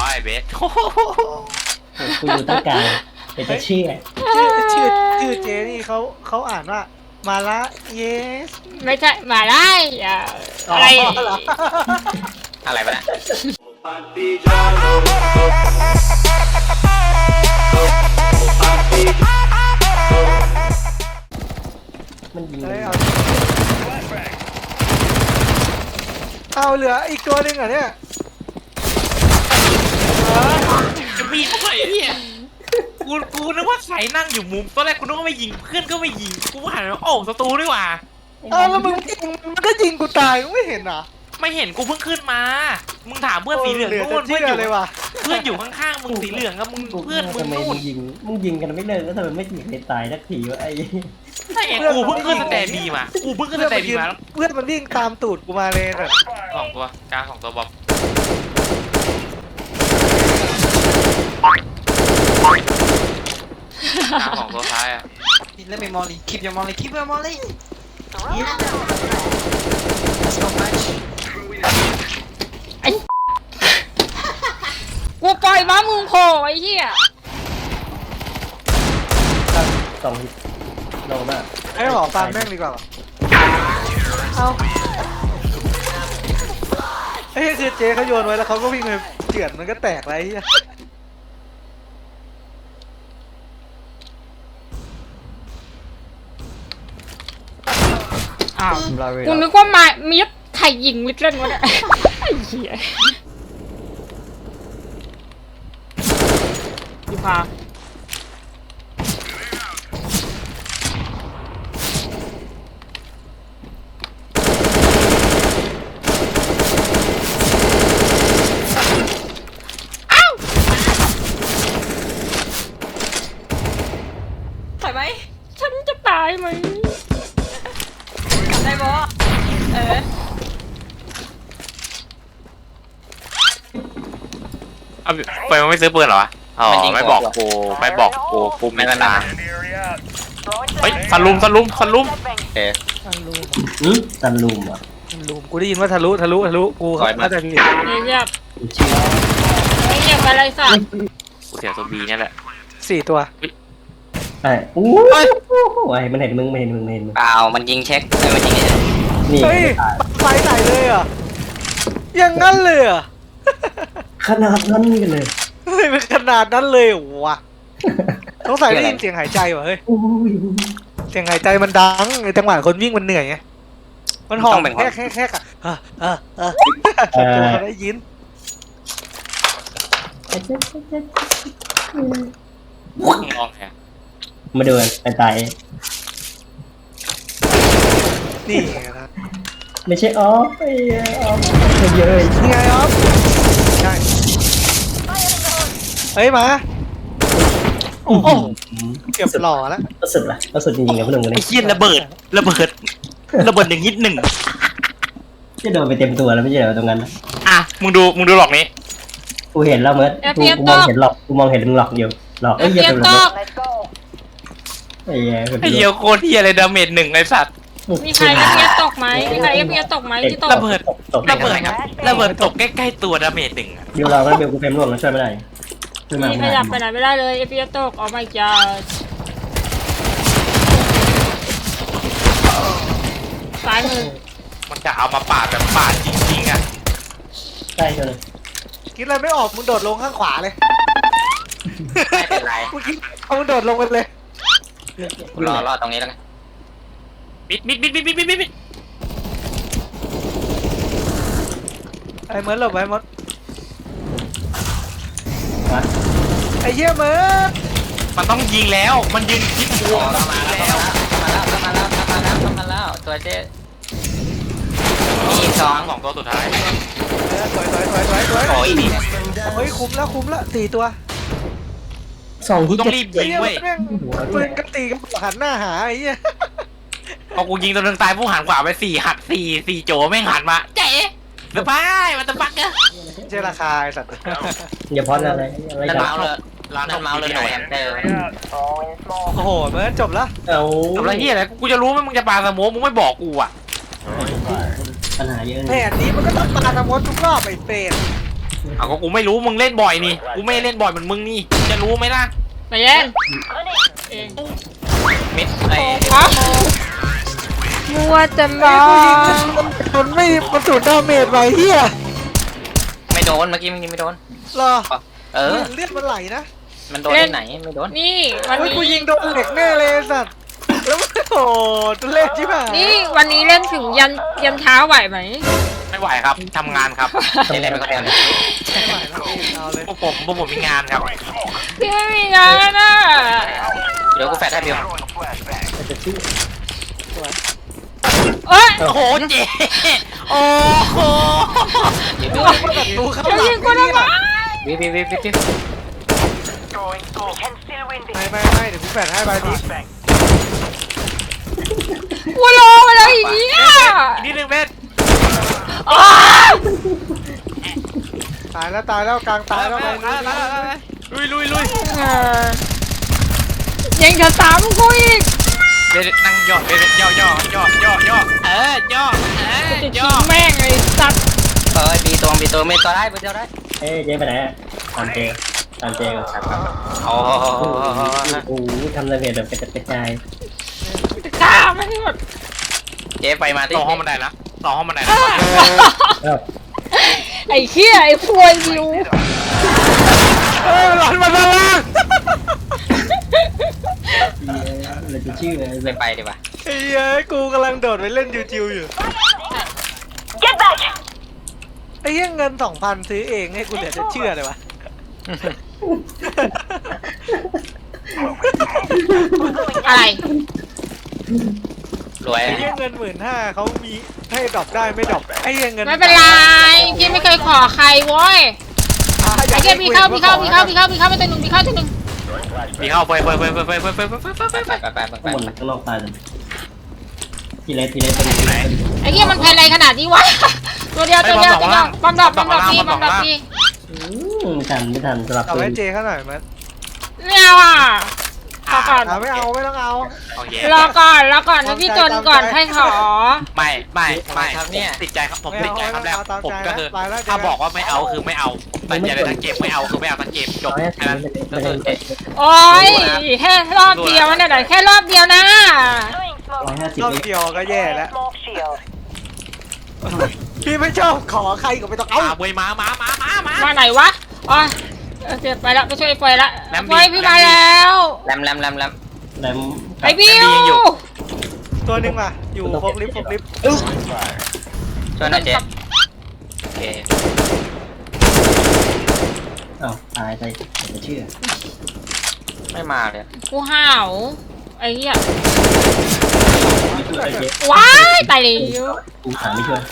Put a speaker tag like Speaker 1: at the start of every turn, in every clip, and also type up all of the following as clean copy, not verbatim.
Speaker 1: ไอ้เบส
Speaker 2: กูอยู่ตรงกลางเป็นจะเชื่อ
Speaker 3: ชื่อเจนี่เขาอ่านว่ามาละเยส
Speaker 4: ไม่ใช่มาได้อะไร
Speaker 1: อะไรไปนะ
Speaker 2: มันยิง
Speaker 3: เอาเหลืออีกตัวหนึ่งเหรอเนี่ย
Speaker 1: จะมีทำไมเนี่ยกูนึกว่าใครนั่งอยู่มุมตอนแรกกูนึกว่าไม่ยิงเพื่อนก็ไม่ยิงกูหันไปโอ้ศัตรูนี่หว่า
Speaker 3: เอาแล้วมึงยิงมันก็ยิงกูตายมึงไม่เห็นเหรอ
Speaker 1: ไม่เห็นกูเพิ่งขึ้นมามึงถามเพื่อนสีเหลืองนู่น
Speaker 3: เพื่อนเลยว่ะ
Speaker 1: เพื่อนอยู่ข้างๆมึงสีเหลืองกับมึงเพื่อนมึง
Speaker 2: ทำไม
Speaker 1: นู่
Speaker 2: มึ
Speaker 1: น
Speaker 2: งยิงกันไม่เลิกแล้วทำไมไม่มีใครตายสักทีวะไอ้
Speaker 1: ใช่ไงกูเพิ่งขึ้นสแตนดีมากูเพิ่งขึ้นสแตนดีมา
Speaker 3: เพื่อนมันวิ่งตามตูดกูมาเลยแบบ
Speaker 1: สองตัวกลางสองตัวบอมกลางสองตัวท้ายอ่ะ
Speaker 5: Let me molly. Keep your molly. Keep your molly. Yeah. That's not much.
Speaker 4: กูปล่อยม้ามึงโผล่ไอ้เหี้ย
Speaker 2: สองโลมาก
Speaker 3: ให้หอฟันแม่งดีกว่าเอาเฮ้ยคือเจเขาโยนไว้แล้วเขาก็วิ่งไปเจือนมันก็แตกไรเหี้ย
Speaker 4: อ้าวกูนึกว่ามามีไข่ยิงมิดเล่นวะเนี่ยไอ้เหี้ยพี่พาถอยไหมฉันจะตายไหมได้บอ
Speaker 1: เอาไปมันไม่ซื้อปืนเหรอวะอ๋อไม่บอกกูไม่นานเฮ้ยสลุม
Speaker 2: ตันลูมอ่ะ
Speaker 3: ลูมกูได้ยินว่าทะลุกูเข้าใจผิด
Speaker 4: เงียบ
Speaker 2: กูเชื่อ
Speaker 4: เงียบอะไรสัตว์
Speaker 1: กูเสียตัวบีเนี่ยแหละ
Speaker 3: 4 ตัว
Speaker 2: ไอ้อู้ไอ้มันเห็นมึงไม่เห็นมึง
Speaker 5: เปล่ามันยิงเช็คมันยิง
Speaker 2: นี่
Speaker 3: เฮ้ยไฟไหนเลยอ่ะอย่างนั้นเลยอ่ะ
Speaker 2: ขนาดนั้นกันเลย
Speaker 3: เฮ้ยเป็นขนาดนั้นเลยเหรอวะสงสัยได้ยินเสียงหายใจว่ะเฮ้ย
Speaker 2: โอ้ย
Speaker 3: เสียงหายใจมันดังในจังหวะคนวิ่งมันเหนื่อยไงมันหอบแค่เขาได้ยิน
Speaker 1: งอกแฮะ
Speaker 2: มาดูกันตาย
Speaker 3: นี่ไงนะ
Speaker 2: ไม่ใช่ออฟไอ้ออฟเยอะ
Speaker 3: นี่ไงอ๊อฟใช่เฮ้ยมาโอ้โหเกือบหล่อแล้ว
Speaker 2: ก็สุดจริงๆนะพี่หนุ่มคน
Speaker 1: ไอ้
Speaker 2: นี้
Speaker 1: เหี้ยระเบิดหนึ่งนิดหนึ่ง
Speaker 2: จะโดนไปเต็มตัวแล้วไม่ใช่เหรอตรงนั้น
Speaker 1: อ่ะมึงดูหลอกนี้
Speaker 2: กูเห็นแล้วเมิร์ดกูมองเห็นหลอกมึงหลอกอยู่หลอก
Speaker 4: เอฟ
Speaker 2: เหี้ย
Speaker 4: เอ
Speaker 2: เป็น
Speaker 4: ต
Speaker 2: ระ
Speaker 4: ก
Speaker 2: เบิดไอ้เหี้ย
Speaker 1: ไอ้เหี้ยโคตรเหี้ยเลยดาเมจ1ไอ้สัตว์
Speaker 4: มีใครเอฟเอตกไหมมีใครเอฟเอตกไหมที่ตก
Speaker 1: ระเบิดตกใกล้ๆตัวดาเมจ1อ่ะ
Speaker 2: เดี๋ยวเราก็เบลกูเฟรมร่วงแล้วช่วยไม่ได้ช่วยมา
Speaker 4: มีขยับไปไหนไม่ได้เลยเอฟเอตกอ๋อไม่จ้าซ้ายมือ
Speaker 1: มันจะเอามาปาดแบบปาดจริงๆอ่ะ
Speaker 2: ใช่ตัวนึง
Speaker 3: คิดอะไรไม่ออกมึงโดดลงข้างขวาเลย
Speaker 5: ไม่เป็นไร
Speaker 3: มึงคิดเอามึงโดดลงไปเลย
Speaker 5: รอตรงนี้แล้วไง
Speaker 1: มิด
Speaker 3: ไอ้เมิร์ดหลบไว้มด
Speaker 2: วะ
Speaker 3: ไอ้เหี้ยเมิร์ด
Speaker 1: มันต้องยิงแล้วมันยืนคิดบวกต้องยิงแล้ว
Speaker 5: มาแล้วตัวเจ๊มีอีกสอง
Speaker 1: สองตัวสุดท้าย
Speaker 3: สวย
Speaker 1: โอ้ยนี่
Speaker 3: เฮ้ยคุ้มแล้ว4 ตัว
Speaker 2: สอง
Speaker 1: กู
Speaker 2: ที่
Speaker 1: ต้องรีบยิงเว้ย
Speaker 3: แม่งปืนกระตีกันหันหน้าหาไอ้เหี้ย
Speaker 1: พอกูยิงตัวนึงตายผู้หันขวาไป4โจแม่งหันมาเจ๊เดี๋ยวไปมันจะปักเนี่ย
Speaker 3: เจราคาไอ้สัตว์
Speaker 2: อย่าพอดอะไร
Speaker 5: นั่น
Speaker 2: กัน
Speaker 5: เมาส์เลยนั่นเมาส์เลยหน่วยแฮมเตอร์
Speaker 3: โอ้โหเมิร์ดจบแล้ว
Speaker 2: เอา
Speaker 1: ทำไรเฮียอะไรกูจะรู้ไหมมึงจะปาสโมกมึงไม่บอกกูอ่ะ
Speaker 2: ปัญหาเยอะ
Speaker 3: แผนนี้มันก็ต้องปาตะมดทุกรอบไอ้เปรต
Speaker 1: เอาก็กูไม่รู้มึงเล่นบ่อยนี่กูไม่เล่นบ่อยเหมือนมึงนี่จะรู้ไหมล่ะ
Speaker 4: ไปเล่นเอง
Speaker 1: เม็ดไอ้
Speaker 4: อ๋อมัวแต่มอง
Speaker 3: มันไม่มันสูดดาเมจไว้เฮีย
Speaker 5: ไม่โดนเมื่อกี้มันยิงไม่โดน
Speaker 3: รอ
Speaker 5: เออ
Speaker 3: เลือดมันไหลนะ
Speaker 5: มันโดนที่ไหนไม่โดน
Speaker 4: นี่วัน
Speaker 3: เฮ้ย
Speaker 4: นี้
Speaker 3: กูยิงโดนเหล็กแน่เลยไอ้สัตว์แล้วมันโอ้โหตัวเล็กชิบหาย
Speaker 4: นี่วันนี้เล่นถึงยันเช้าไหวไหม
Speaker 1: ไม่ไหวครับทำงานครับ
Speaker 5: นี่แหละมันก็แทน
Speaker 3: ไม่ไหวแล้วเอาเลย
Speaker 1: พวกผมมีงานครับ
Speaker 4: พี่ไม่มีงานน่ะ
Speaker 5: เดี๋ยวกูแฟดให้บิว
Speaker 2: มันจะชื่อ
Speaker 4: เอ้ย
Speaker 1: โอ้โหเจ๊โอ้โห
Speaker 3: ดูเข้า
Speaker 4: จะ
Speaker 3: หลั
Speaker 4: ยิ
Speaker 3: ง
Speaker 4: งกูทำไม
Speaker 5: วิว
Speaker 3: ไม่เดี๋ยวกูแฝดให้ใบนี้
Speaker 4: กูรอมาแล้วอีกเนี่ย
Speaker 1: อีกนิดนึงเม็ด
Speaker 4: อ้าว
Speaker 3: ตายแล้วกลางตายแล้วใบนี้
Speaker 1: ลุย
Speaker 4: เออยังจะตามกูอีก
Speaker 1: เม็ดนั่งย่อเม็ดย่อย่อย่อย่อ
Speaker 4: จะทิ้
Speaker 1: ย่อง
Speaker 4: แม่งไอ้สัตว์
Speaker 5: เอ้ยบีตัวไม่ตัวได้บีตัวได้
Speaker 2: เอ้ยเจ๊ไปไหนอะตามเจกับครับ
Speaker 5: โอ้
Speaker 2: โอ้โหทำระเบียบแบบกระจัดกระจาย
Speaker 4: ฆ่าไม่ให้หมด
Speaker 5: เจ๊ไปมาที่
Speaker 1: ต่อห้องบันไดนะต่อห้องบันไดนะ
Speaker 2: เอ้า
Speaker 4: ไอ้เหี้ยไอ้พวยวิว
Speaker 3: หลอนมาด้านล่าง
Speaker 2: เราจะชื่ออะไร
Speaker 5: ไม่ไปดีกว่า
Speaker 3: ไอ้เหี้ยกูกำลังโดดไปเล่นจิวๆอยู่ไอ้เหี้ยเงิน 2,000 ซื้อเองให้กูเหลือจะเชื่อเลยวะ
Speaker 4: อะไร
Speaker 5: รวย
Speaker 3: ไอ้เหี้ยเงิน 15,000เขามีให้ดรอปได้ไม่ดรอปไอ้เหี้ยเงิน
Speaker 4: ไม่เป็นไรพี่ไม่เคยขอใครโว้ยไอ้เหี้ยพี่เข้าไปตัวหนึ่ง
Speaker 1: มีเข้าไป
Speaker 5: ไป
Speaker 2: ข้างบนข้างนอกตายเลยทีเล็กเป็นไหน
Speaker 4: ไอ้เหี้ยมันแพนอะไรขนาดนี้วะตัวเดียวบอมดอกพี่
Speaker 2: ไม่ทันสลับ
Speaker 3: เอา
Speaker 2: ปื
Speaker 3: ไว้
Speaker 2: น
Speaker 3: เจเขาหน่อยมั้ย
Speaker 4: ไม่เอาอ่ะรอก่อน
Speaker 3: ไม่ต้องเอา
Speaker 1: โอเค
Speaker 4: รอก่อนนะพี่จนก่อนให้ขอ
Speaker 1: ไม่ติดใจครับผมติดใจครับแล้วผมก็คือถ้าบอกว่าไม่เอาคือไม่เอาแต่อย่าเลยทั้งเกมไม่เอาคือไม่เอาทั้งเกมจบ
Speaker 2: 150
Speaker 1: แค่นั้น
Speaker 2: ไม่ได้
Speaker 4: โอ้ยแค่รอบเดียวนะแค่รอบเดียวนะ
Speaker 2: 150
Speaker 3: รอบเดียวก็แย่แล้วพี่ไม่ชอบขอใครก็ไม่ต้องเอา
Speaker 1: เว้ยมา
Speaker 4: มาไหนวะอ๋อเจ็บไปแล้วไปช่วยไฟละไฟพี่มาแล้ว
Speaker 5: แรม
Speaker 2: แล้ว
Speaker 4: ไอ้บิว
Speaker 3: ตัวนึงอ่ะอยู่ฟกลิฟต์
Speaker 5: ช่วยหน่อยเจ๊โอเค
Speaker 2: อ้าวตายไปจะเชื่อ
Speaker 5: ไม่มาเลย
Speaker 4: กูห่าวไอ้เหี้ย
Speaker 2: ไม่ช่วยเจ๊
Speaker 4: ว้ายตายเลย
Speaker 2: กูถามไม่ช่วย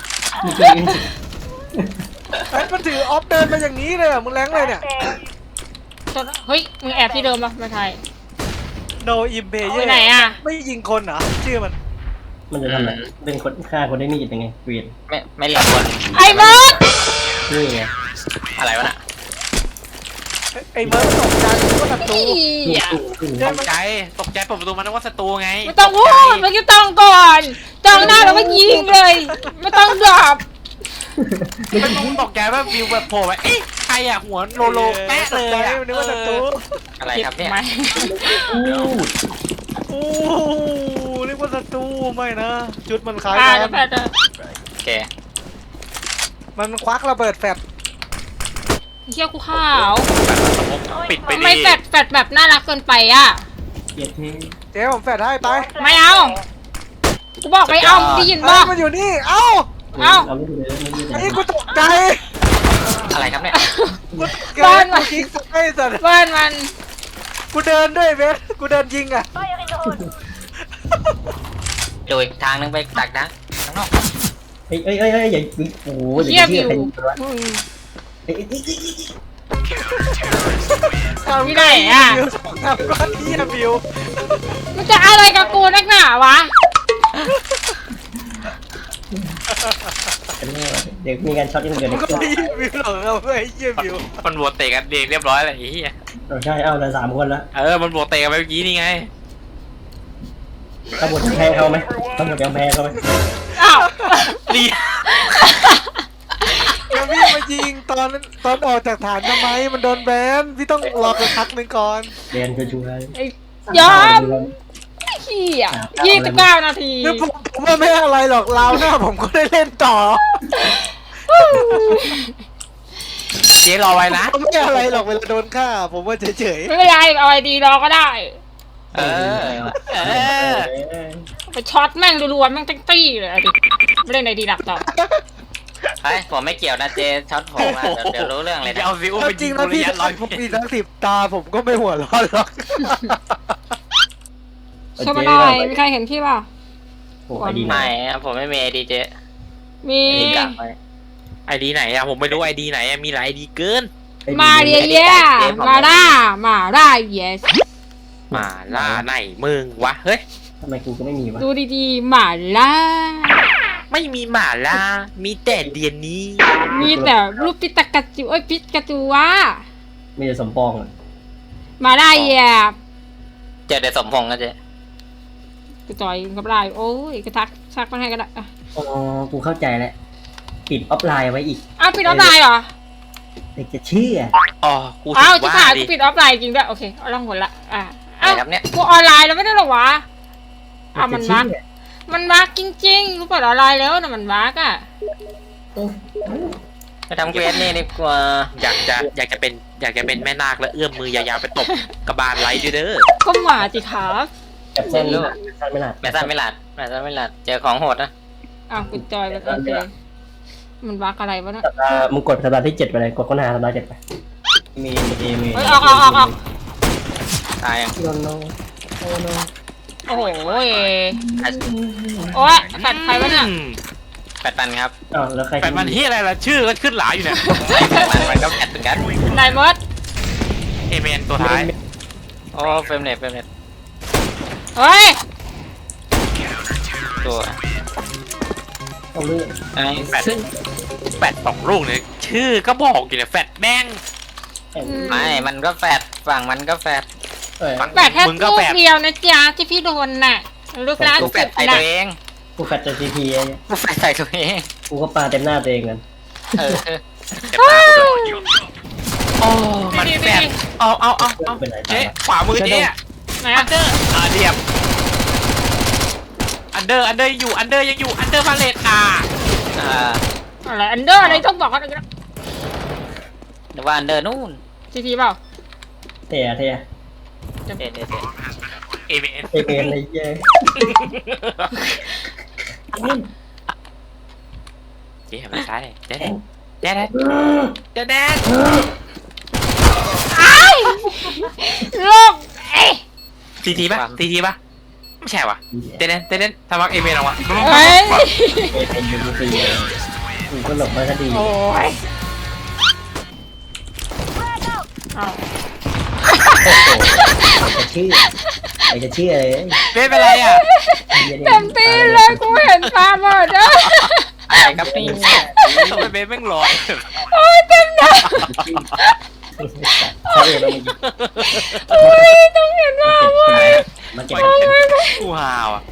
Speaker 3: ไอ้มันถือออฟเดินมาอย่างนี้เลยอ่ะมึงแรงเลยเนี่ย
Speaker 4: เฮ้ยมึงแอบที่เดิมปะไม่ใช่
Speaker 3: no im player
Speaker 4: ไปไหนอ่ะ
Speaker 3: ไม่ยิงคนเหรอชื่อมัน
Speaker 2: มันจะทำอะไรเป็นคนฆ่าคนได้มีดยังไงเกวียน
Speaker 5: ไม่เรียกคน
Speaker 4: ไอ้เบิร์ด
Speaker 2: นี่ไง
Speaker 5: อะไรวะน่ะ
Speaker 3: ไอ้เบิร์ดตกใจว่าศัตรู
Speaker 1: ตกใจเปิดประตูมานึกว่าศัตรูไง
Speaker 4: ไม่ต้องพูดเมื่อกี้ต้องก่อนจ้องหน้าแล้วก็ยิงเลย ไม่ต้องดรอป
Speaker 1: มันตกใจว่าวิวแบบโผล่ไปเอ๊ะใครอะหัวโลแป๊ะเลย
Speaker 3: ใจ
Speaker 1: อะ
Speaker 3: นึกว่าศัตรู
Speaker 5: อะไรครับเนี่ย
Speaker 4: ไหม
Speaker 2: อู้
Speaker 3: โอ้นึกว่าศัตรูไม่นะจุดมันคล้าย
Speaker 4: อ่า
Speaker 3: กั
Speaker 4: เดี๋ยวน แฟด
Speaker 5: โอเค
Speaker 3: มันควักระเบิดแฟบ
Speaker 4: เชี่ยกูข้าว
Speaker 1: ปิดไป
Speaker 4: ทำ
Speaker 1: ดิ
Speaker 4: ไมแฟดแบบน่ารักเกินไปอ่ะ
Speaker 2: เกลียดเท่
Speaker 3: เจ๊ผมแฟดให้ไป
Speaker 4: ไม่เอากูบอกไม่เอาได้ยิน
Speaker 3: เฮ้
Speaker 4: ป่ะ
Speaker 3: ยมันอยู่นี่เอ้า
Speaker 2: เราไม่ดูเลยไม่ดูเลย
Speaker 3: ไอ้กูตกใจ
Speaker 5: อะไรครับเนี่ย
Speaker 3: กูตกใจกูคิกไอ้สัตว์
Speaker 4: บ้านมัน
Speaker 3: กูเดินด้วยเบสกูเดินยิงอ่ะ
Speaker 5: ดูอีกทางนึงไปตักนะข้างนอก
Speaker 2: เอ้ยอย่าโอ้โหอ
Speaker 4: เยี่ย
Speaker 2: ย่าม
Speaker 4: อ
Speaker 2: เชื่อยู่ ใครวะ
Speaker 4: มึง
Speaker 2: เอ้ย
Speaker 4: ที่ไหนอ่ะ
Speaker 3: ทำก้อนเหี้ยบิว
Speaker 4: มันจะอะไรกับกูนักหนาวะ
Speaker 2: เดี๋ยวมีการช็อตที่มันเกิด
Speaker 3: มึงก็
Speaker 2: ขึ้น
Speaker 3: ไม่บิวหรอกเอาไอ้เหี้ยบิว
Speaker 1: มันบวชเตะกันเองเรียบร้อยเลยไอ้เหี้ย
Speaker 2: ใช่เอาเลย3 คนแล้ว
Speaker 1: มันบวชเตะกันไปเมื่อกี้นี่ไง
Speaker 2: ตำรวจแพ้เขาไหมตำรวจยังแพ้เขาไหม
Speaker 4: อ้าว
Speaker 1: ดี
Speaker 3: จะวิ่งมายิงตอนออกจากฐานทำไมมันโดนแบนพี่ต้องรอกันพักหนึ่งก่อน
Speaker 2: เรียนจะช่วย
Speaker 4: ไอ้ยอมเหี้ย29 นาที
Speaker 3: คือผมว่าไม่อะไรหรอกราวหน้าผมก็ได้เล่นต่อ
Speaker 1: เจ๊รอไว้นะ
Speaker 3: ไม่อะไรหรอกเวลาโดนฆ่าผมว่าเฉย
Speaker 4: ไม่เป็นไรเอาไอดีรอก็ได้
Speaker 1: เออ เออ
Speaker 4: ไปช็อตแม่งรัวๆแม่งเต็งตี้เลยเอาดิไม่เล่นไอดีหลักต่อ
Speaker 5: เฮ้ยผมไม่เกี่ยวนะเจช็อตผมอะเดี๋ยวรู้เรื่องเลยนะ
Speaker 1: เอาซิอุ้ม
Speaker 3: ๆ
Speaker 1: ไป
Speaker 3: จ
Speaker 1: ยิ
Speaker 3: ริ
Speaker 1: ง
Speaker 3: ง
Speaker 1: กู
Speaker 3: นะ
Speaker 1: ระ
Speaker 3: พี่
Speaker 1: ยะร้อย
Speaker 3: ผมมีทั้ง10 ตาผมก็ไม่หัวร้อนหรอก
Speaker 4: ช่วยมาหน่อยมีใครเห็นพี่ป่ะ
Speaker 2: โอ้ไอดี
Speaker 5: ไม่อะผมไม่มีไอดีเจ
Speaker 4: มี
Speaker 5: ไอดีกลับไป
Speaker 1: ไอดีไหนอะผมไม่รู้ไอดีไหนอะมีหลายไอดีเกิน
Speaker 4: มาเรียเย่มาล่า yes
Speaker 1: มาล่าไหนมึงวะ เฮ้ย
Speaker 2: ทำไมกูก็ไม่มีวะ
Speaker 4: ดูดีๆมาล่า
Speaker 1: ไม่มีหมาล่า มีแต่เดียนนี้
Speaker 4: มีแต่รูปปิตากาจูปิกาจูวะ
Speaker 2: มีแต่สมปองอ่ะ
Speaker 4: มาล่าแย่
Speaker 5: เจอเดสมพงษ์นะเจ
Speaker 4: กูจอยกับไลน์โอ้ยกระทักชักมาให้ก็ได้
Speaker 2: อ๋อกูเข้าใจแล้วปิดออฟไลน์ไว้อีก
Speaker 4: อ้าวปิดออฟไลน์เหรอ
Speaker 2: เด็กจะเชื่อ
Speaker 1: อ๋อ กู
Speaker 4: อ้าว
Speaker 1: ถึง
Speaker 4: ที่
Speaker 1: ว่า
Speaker 4: ผ่าน
Speaker 1: ดิ
Speaker 4: กูปิดออฟไลน์จริงด้วยโอเคเอาล่องหนละ
Speaker 5: อะไร
Speaker 4: อ้าว
Speaker 5: ครับเนี่ย
Speaker 4: กูออนไลน์แล้วไม่ได้หรอวะอ้าว
Speaker 2: เด็
Speaker 4: มั
Speaker 2: ก
Speaker 4: น
Speaker 2: จะ
Speaker 4: บั๊ก
Speaker 2: เชื่อ
Speaker 4: มันบั๊กจริงๆกูเปิดออนไลน์แล้วนะมันบั๊กอ่ะ
Speaker 2: โอ้
Speaker 5: ไปทำเควสนี่ดีกว่า
Speaker 1: อยากจะเป็นแม่นาคแล้วเอื้อมมือยาวๆไปตบกระบาลไลท์ด้วยเด้อ
Speaker 4: ก็หมาจิครับ
Speaker 2: จับเส้นลูกสั้นไม่หลัด
Speaker 5: แม่สั้นไม่หลัดแม่สั้นไม่หลัดเจอของโหดนะ
Speaker 4: อ้าวกูจอยแล้วโอเคมันบั๊กอะไรวะเนี่ย
Speaker 2: มึงกดสัปดาห์ที่7ไปเลยกดค้นหาสัปดาห์7ไปมี
Speaker 4: เฮ้ยออก
Speaker 5: ตายยัง
Speaker 2: โนโนโนโน
Speaker 4: โอ้โหโอ้ยแฟดใครวะเนี่ย
Speaker 5: 8,000ครับ
Speaker 2: อ้าวแล้วใคร
Speaker 1: แฟนมันที่อะไรล่ะ ชื่อก็ขึ้นหลายอยู่เนี่ย
Speaker 5: 8,000มันก็แปดเหมือนกัน
Speaker 4: นายมด
Speaker 1: เอเมนตัวท้าย
Speaker 5: โอ้เฟรมเรท
Speaker 4: เฮ้ย
Speaker 5: ตัว
Speaker 2: ต้องเลือก
Speaker 5: ไอ้
Speaker 1: แฟด2 ลูกเนี่ยชื่อก็บอกอยู่เนี่ยแฟดแม่ง
Speaker 5: ไม่มันก็แฟดฝั่งมันก็แฟด
Speaker 2: เอ้ย
Speaker 4: แฟดแค่
Speaker 1: มึงก็
Speaker 4: ลู
Speaker 1: แฟ
Speaker 4: ก
Speaker 1: ด
Speaker 4: เดียวนะจ๊ะที่พี่โดนน่ะลูกล่า
Speaker 5: กู
Speaker 4: สุ
Speaker 5: แฟ
Speaker 4: ด
Speaker 5: ดใส่
Speaker 4: น่ะ
Speaker 5: ตัวเอง
Speaker 2: กูแฟดจากซีพีไอ้เนี่ย
Speaker 5: กูแฟดใส่ตัวเอง
Speaker 2: กูก็ปาเต็มหน้าตัวเองกัน
Speaker 5: เออ
Speaker 1: เจ็บตากูเลยโอ้มันแฟดเอาเจ๊ขวามือเจ๊อะ
Speaker 4: ไหน
Speaker 1: อั
Speaker 4: อะ
Speaker 1: นเดอร์เรียบอันเดอร์ยังอยู่อันเดอร์พาเลต
Speaker 4: อะไรอันเดอร์อะไรต้องบอกเขาอะไรกัน
Speaker 5: หรือว่าอันเดอร์นู่น
Speaker 4: ทีเปล่า
Speaker 2: เทีย
Speaker 5: เด็ด
Speaker 1: เอเมน
Speaker 2: เอเมนอะไรเย้
Speaker 1: เจ๊มาซ้ายเจ๊แดด
Speaker 4: โลกเอ๊ะ
Speaker 1: ทีป่ะไม่ใช่วะเต้นทำวักเอเมนออกมา
Speaker 4: เฮ้ย
Speaker 2: เอเมนยูทูซีกูก็หลบมาก็ดี
Speaker 4: โอ้ยอ้าว
Speaker 2: ไอ้จะเชื่อเลย
Speaker 1: เต้นเป็นไรอ่ะ
Speaker 4: เต็มตีเลยกูเห็นปลาหมดอ่ะ
Speaker 5: อะไรครับนี่
Speaker 1: ทำไมเบสแม่งลอย
Speaker 4: โอ้ยเต็มหน้า
Speaker 2: ใช่เราไม่
Speaker 4: โอ้ยต้องเห็นว่าเว้ย
Speaker 2: มันเก็บ
Speaker 1: กูฮาวอ่ะ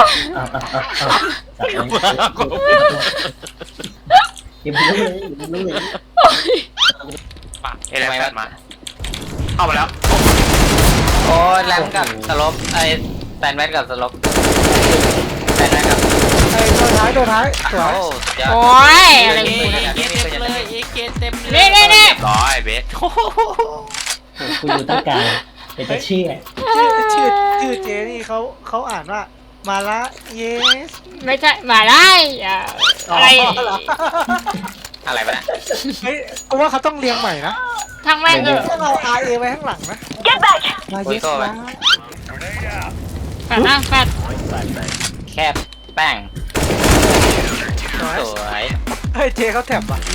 Speaker 2: เก็บรู้เลย
Speaker 1: มาเอเลนมาเข้ามาแล้ว
Speaker 5: โอ้แรมกับสลบไอ้แฟนแมทกับสลบแฟนแมทกับ
Speaker 3: ไอ้ตัวท้ายสวย
Speaker 5: โอ้สุดยอด
Speaker 4: โอ้ยอะไร
Speaker 1: เอ
Speaker 4: กูเนี่ย
Speaker 1: เต็มเลยเต็มเลยร้อยเบส
Speaker 2: กูอยู่ตั้งกลางเป็นจะเชื่อ
Speaker 3: ชื่อเจนี่เขาอ่านว่ามาละเยส
Speaker 4: ไม่ใช่มาได้อะไร
Speaker 5: อะไรไปนะ
Speaker 3: เฮ้ยกูว่าเขาต้องเรียงใหม่นะ
Speaker 4: ทางแม่งเออ
Speaker 3: ต้องเอา RA ไว้ข้างหลังนะมาเยสนะ
Speaker 4: แฟดนะแฟด
Speaker 5: แคบแป้งสวย
Speaker 3: เฮ้ยเจเขาแถบว่ะ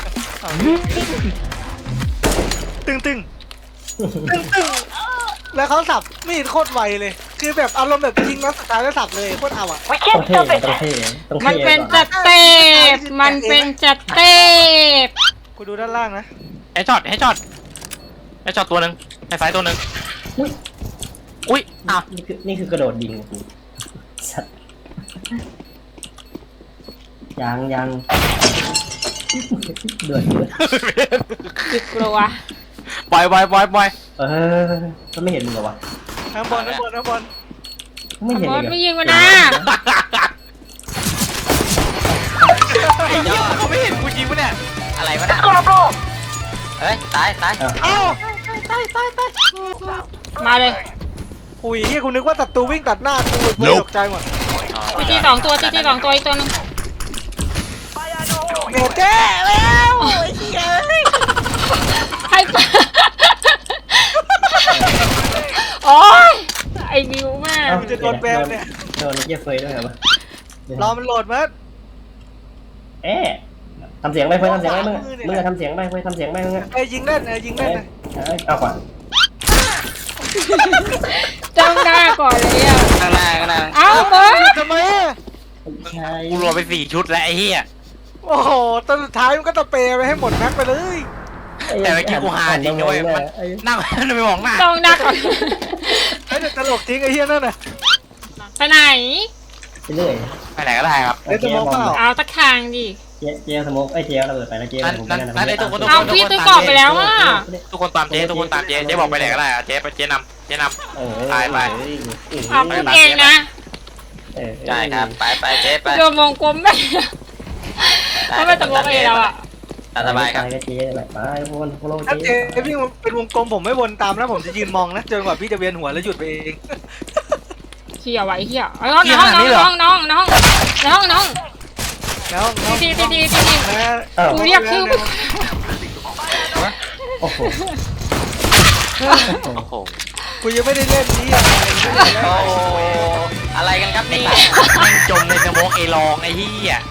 Speaker 3: ตึงแล้วเขาสับมีดโคตรไวเลย คือแบบอารมณ์แบบยิงนัดสุดท้ายแล้วสับเลยโคตรเอาอ่ะ
Speaker 2: ต้องเท่ต้องเท่ต้อง
Speaker 4: มัน
Speaker 2: เท่
Speaker 4: เป็นจัดเต็บมันเป็นจัดเต็บ
Speaker 3: กูดูด้านล่างนะ
Speaker 1: ให้จอดตัวหนึ่งให้ซ้ายตัวหนึ่งอุ้ยอ้าว
Speaker 2: นี่คือกระโดดยิงกูสัตว์ยังเดือด
Speaker 4: กลัว
Speaker 3: ปล่อย
Speaker 2: ก็ไม่เห็นมึงเหรอวะ
Speaker 3: ข้างบน
Speaker 2: ไม่เห็น
Speaker 4: บ
Speaker 2: เล
Speaker 4: อย ส
Speaker 2: เหรอ
Speaker 4: ไม่ยิงมันนะ
Speaker 3: ไอ้เหี้ยเขาไม่เห็นกูยิงปะเนี่ย
Speaker 5: อะไรวะน่ะเฮ้ยตาย
Speaker 3: เอ้า
Speaker 4: มาเลย
Speaker 3: อุ้ยเฮียกูนึกว่าศัตรูวิ่งตัดหน้ากูเลยตกใจหมด
Speaker 4: ตีสองตัวตีสองตัวอีกตัวนึง
Speaker 3: เนเจ้แล้วไอ้เหี้ย
Speaker 4: ใครปะโอ๊ยไอ้บิวแม่
Speaker 3: กูจะโดนแบนเนี่ย
Speaker 2: โดนเยี่ยเฟยด้วยเหรอวะ
Speaker 3: รอมันโหลดมั้ย
Speaker 2: เอ๊ะทำเสียงไปเฟยทำเสียงไปมึงอะทำเสียงไปเฟยทำเสียงไปมึงอะ
Speaker 3: ไอ้ยิงเล่นยิงเล่น
Speaker 2: เอาก่อน
Speaker 4: จ้องหน้าก่อนเลยอ่ะ
Speaker 5: ข้างหน้า
Speaker 4: เอ้าบอส
Speaker 3: ทำไมอะ
Speaker 2: ใช่
Speaker 1: กูรวมไป4 ชุดแล้วไอ้เหี้ย
Speaker 3: โอ้โหตอนสุดท้ายมันก็ตะเปไปให้หมดแม็กไปเลย
Speaker 1: แต่เมื่อกี้กูหาจริงนะเว้ยมันนั่งไม่มองหน้า
Speaker 4: จ้องหน้าก่อน
Speaker 3: ไอ้ตลกจริงไอ้เหี้ยนั่นน่ะ
Speaker 4: ไปไหน
Speaker 2: ไปเรื่อย
Speaker 1: ไปไหนก็ได้ครับ
Speaker 3: เล่นสมองเปล่า
Speaker 4: เอาตะคางดิ
Speaker 2: เจ๊สมกไอ้เจ๊ระเบิดไปแล้วเจ๊
Speaker 1: นั่นไอ้ทุกคน
Speaker 4: เอาพี่ตัวกรอบไปแล้วอ่ะ
Speaker 1: ทุกคนตามเจ๊เจ๊บอกไปไหนก็ได้อะเจ๊นำ
Speaker 4: เอาพูดเองนะ
Speaker 5: ใช่ครับไปเจ๊ไป
Speaker 4: โดนมองกลมไม่เขาไม่ตะโกนเองแล้วอ่ะ
Speaker 5: ตามสบายครับ
Speaker 2: ไปเจ๊ไปวนโคโล
Speaker 3: ถ้า
Speaker 2: เจ๊
Speaker 3: เจ๊พี่เป็นวงกลมผมไม่วนตามนะผมจะยืนมองนะจนกว่าพี่จะเวียนหัวแล้วหยุดไปเอง
Speaker 4: เชี่ยไว้เชี่ยน้อง
Speaker 3: แล้ว
Speaker 4: ตี
Speaker 3: นะ
Speaker 4: กูเรียกชื่อ
Speaker 2: โอ้โห
Speaker 5: โอ้โห
Speaker 3: กูยังไม่ได้เล่นนี้อะไร
Speaker 5: อะไรกันครับนี่
Speaker 1: แม่งจมในสมองไอ้รองไอ้เหี้ย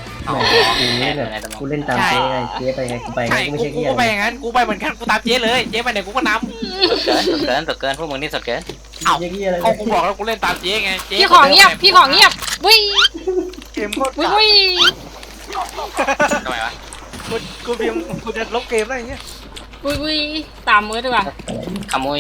Speaker 2: กูเล่นตามเจ๊ไงเจ๊ไปไงกูไปไง
Speaker 1: ใช่
Speaker 2: ไม่
Speaker 1: กู
Speaker 2: ใช่เหี้ย
Speaker 1: ก็ไปอย่างนั้นกูไปเหมือนกันกูตามเจ๊เลยเจ๊ไปไหนกูก็นำ
Speaker 5: สดเกินพวกมึงนี่สดเกิน
Speaker 2: เจ๊เหี้ยอะไร
Speaker 1: เอากูบอกแล้วกูเล่นตามเจ๊ไงเจ๊
Speaker 4: พี่ของเงียบวิ่ง
Speaker 3: เกมโคตร
Speaker 4: วิ่ง
Speaker 5: ทำไมวะ
Speaker 3: กูเพียงกูจะลบเกมได้อย่างเงี้ย
Speaker 4: วิ่งตามมือดีกว่า
Speaker 5: ขโมย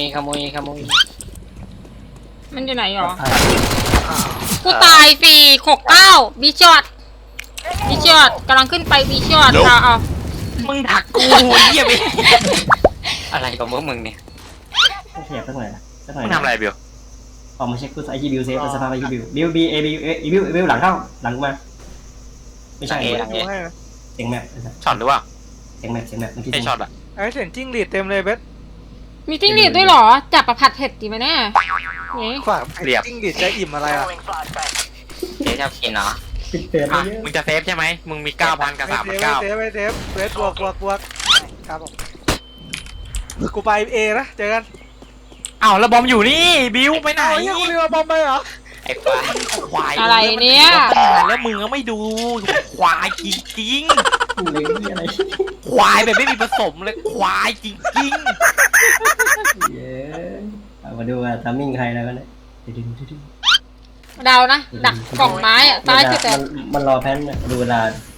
Speaker 4: มันอยู่ไหนหรอกูตายฟรี69บีช็อตกำลังขึ้นไปบีช็อตเอา
Speaker 1: มึงถักกูเหี้ยไป
Speaker 5: อะไรของพวกมึงเนี่ย
Speaker 2: เสียบสักหน่อยสักหน่อย
Speaker 1: มึงทำอะไรเบล
Speaker 2: ออกมาเช็คกูไอคิวบิวเซฟสภาพไอคิวบิวบีเอบิวหลังเข้าหลังมาไม่ใช่
Speaker 3: ดูให้
Speaker 2: เสียงแมป
Speaker 1: ช็อตหรือเปล่า
Speaker 2: เสียงแมปเมื่อกี้
Speaker 1: ไอ้ช็อตอะ
Speaker 3: ไอ้เสียงจิ้งหรีดเต็มเลยเบส
Speaker 4: มีจิ้งหรีดด้วยหรอจับประผัดเผ็ดดีไหมเนี่ยนี่
Speaker 3: ขวางจิ้งหรีดจะอิ่มอะไรอ่ะ
Speaker 5: เจ๊ชอบกินเนาะ
Speaker 2: ปิดเตือน
Speaker 1: อ่ะ
Speaker 2: เยอะ
Speaker 1: มึงจะเซฟใช่ไหมมึงมี 9,000 กับ
Speaker 3: ไม่
Speaker 1: 3,900
Speaker 3: เทปเบสบวกครับผมกูไปเอนะเจอกัน
Speaker 1: อ้าวแล้วบอมอยู่นี่บิวไปไหน
Speaker 3: ไอ้ยังกูเรียกว่าบอมไปเหรอ
Speaker 5: ไอ้ควาย
Speaker 1: ควาย
Speaker 4: อะไรเนี่ย
Speaker 1: แล้วมึงก็ไม่ดูควายจริง
Speaker 2: กูเลยนี่อะไร
Speaker 1: ๆควายแบบไม่มีผสมเลยควายจริง
Speaker 2: เย้มาดูว่าทำมิ่งใครแล้วกันเนี่ย
Speaker 4: เดานะดักกล่องไม้อะซ้ายสุดแต่
Speaker 2: มันรอแพนดูเวลา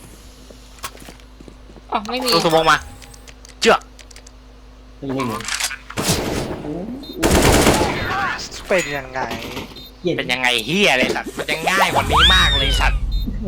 Speaker 4: อ๋อไม่มี
Speaker 1: ๆตัวสมองมาเจือก
Speaker 2: นิ่ง
Speaker 3: เป็นยังไง
Speaker 2: เย็น
Speaker 1: เป็นยังไงเฮียเลยสัตว์มันจะง่ายกว่านี้มากเลยสัตว์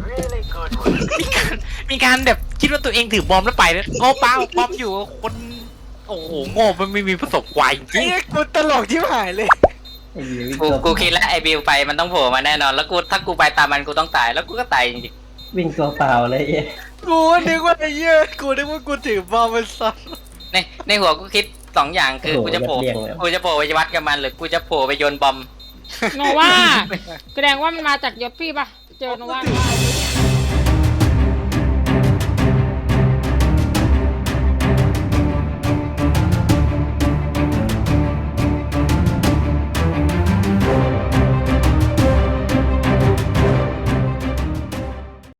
Speaker 1: มีการแบบคิดว่าตัวเองถือบอมแล้วไปแล้วโง่เปล่าบอมอยู่คนโอ้โหโง่มันไม่มีผสมควายจริง
Speaker 3: ไอ้กูตลกที่หายเลย
Speaker 5: กูคิดแล้วไอ้บิวไปมันต้องโผล่มาแน่นอนแล้วกูถ้ากูไปตามมันกูต้องตายแล้วกูก็ตายจริง
Speaker 2: วิ่งตัวเปล่าเลยเย้
Speaker 3: กูนึกว่าไอ้เหี้ยกูนึกว่ากูถือบอมมันซ้
Speaker 5: ๆในหัวกูคิด2 อย่างคือกูจะโผล่ไปวัดกับมันหรือกูจะโผล่ไปโยนบอม
Speaker 4: โนว่าแสดงว่ามันมาจากยศพี่ปะเจอโนว่า
Speaker 3: ำ